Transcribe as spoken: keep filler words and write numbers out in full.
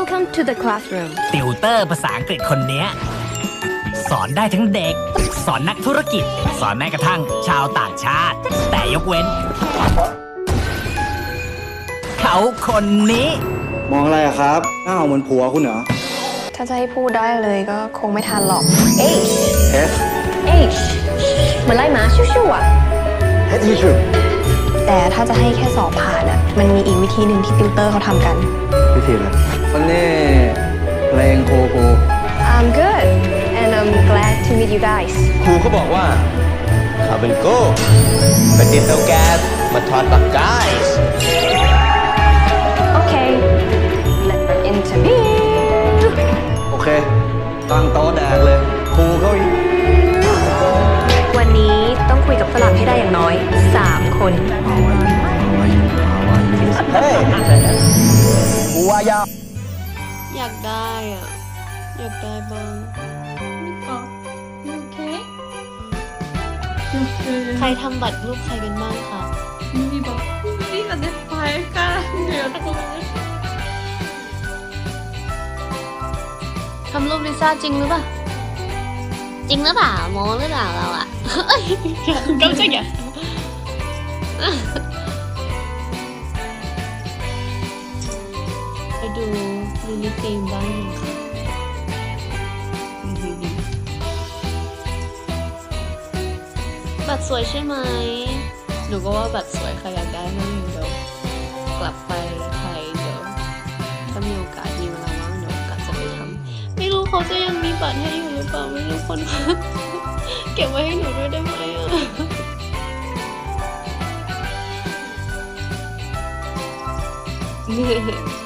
Welcome to the classroom. ติวเตอร์ภาษาอังกฤษคนเนี้ยสอนได้ทั้งเด็ก สอนนักธุรกิจ สอนแม้กระทั่งชาวต่างชาติ แต่ยกเว้น เขาคนนี้มองอะไรอะครับ หน้าเหมือนผัวคุณเหรอถ้าจะให้พูดได้เลยก็คงไม่ทันหรอก H H H เหมือนไล่หมาชิวๆอ่ะ H ที่สุดแต่ถ้าจะให้แค่สอบผ่านอ่ะ มันมีอีกวิธีหนึ่งที่ติวเตอร์เขาทำกันวิธีอะไรวันนี้เพลงโคโก I'm good and I'm glad to meet you guys ครูเขาบอกว่าเขาเป็นโก้ไปติดเตาแก๊สมาทอดปักก้าย Okay let's interview โอเค ตั้งโต๊ะแดกเลย ครูเขาอีกวันนี้ต้องคุยกับฝรั่งให้ได้อย่างน้อย สาม คนเฮ้ยกูว่ายาวอยากได้อ่ะ อยากได้บ้าง You okay? ใครทำบัตรรูปใครกันบ้างคะ 우리 막 우리가 내 발가락이었고 ทำรูปลิซ่าจริงหรือเปล่า จริงหรือเปล่าโมหรือเปล่าเราอ่ะ เฮ้ย깜짝이야ไปดูดูนิตีมบ้างค่ะบัตรสวยใช่ไหมหนูก็ว่าบัตรสวยใครอยากได้นั่งเดี๋ยวกลับไปไทยเดี๋ยวถ้ามีโอกาสมีเวลาว่างเดี๋ยวกะจะไปทำไม่รู้เขาจะยังมีบัตรให้อยู่หรือเปล่าไม่รู้คน เก็บไว้ให้หนูด้วยได้ไหมอ่ะ